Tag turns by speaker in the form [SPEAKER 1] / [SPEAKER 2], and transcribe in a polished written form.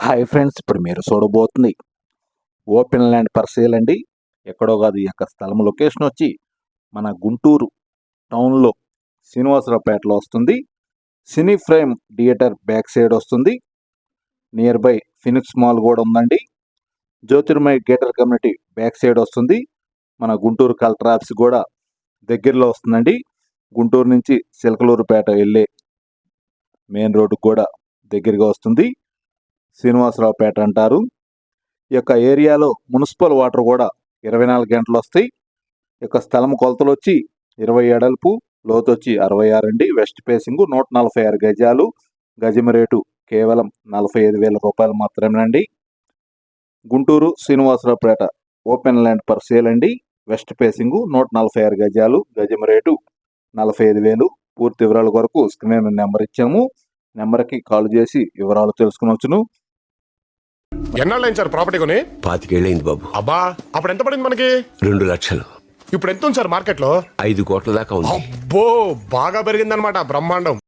[SPEAKER 1] Hi friends, ఇప్పుడు మీరు చూడబోతుంది ఓపెన్ ల్యాండ్ ఫర్ సేల్ అండి. ఎక్కడో కాదు, ఈ యొక్క స్థలం లొకేషన్ వచ్చి మన గుంటూరు టౌన్లో శ్రీనివాసరావుపేటలో వస్తుంది. Cine frame theatre back side వస్తుంది. నియర్ బై ఫినిక్స్ మాల్ కూడా ఉందండి. Jyothirmay gated community back side వస్తుంది. మన గుంటూరు కలెక్టర్ ఆఫీస్ కూడా దగ్గరలో వస్తుందండి. గుంటూరు నుంచి సిల్కలూరుపేట వెళ్ళే మెయిన్ రోడ్డు కూడా దగ్గరగా వస్తుంది. శ్రీనివాసరావుపేట అంటారు. ఈ యొక్క ఏరియాలో మున్సిపల్ వాటర్ కూడా 24 గంటలు వస్తాయి. ఈ యొక్క స్థలం కొలతలు వచ్చి 20 ఎడల్పు, లోతు వచ్చి 66 అండి. వెస్ట్ ఫేసింగ్ 146 గజాలు. గజం రేటు కేవలం 45,000 రూపాయలు మాత్రమేనండి. Guntur Srinivasaraopet open land per sale అండి. వెస్ట్ ఫేసింగ్ 146 గజాలు. గజం రేటు 45,000. పూర్తి వివరాల కొరకు స్క్రీన్ నెంబర్ ఇచ్చాము. నెంబర్కి కాల్ చేసి వివరాలు తెలుసుకునవచ్చును.
[SPEAKER 2] ఎన్నాళ్ళైంది సార్ ప్రాపర్టీ కొని?
[SPEAKER 3] 25 ఏళ్ళైంది బాబు.
[SPEAKER 2] అబ్బా, అప్పుడు ఎంత పడింది మనకి?
[SPEAKER 3] 2 లక్షలు.
[SPEAKER 2] ఇప్పుడు ఎంత ఉంది సార్ మార్కెట్ లో?
[SPEAKER 3] 5 కోట్ల దాకా ఉంది.
[SPEAKER 2] అబ్బో, బాగా పెరిగిందనమాట. బ్రహ్మాండం.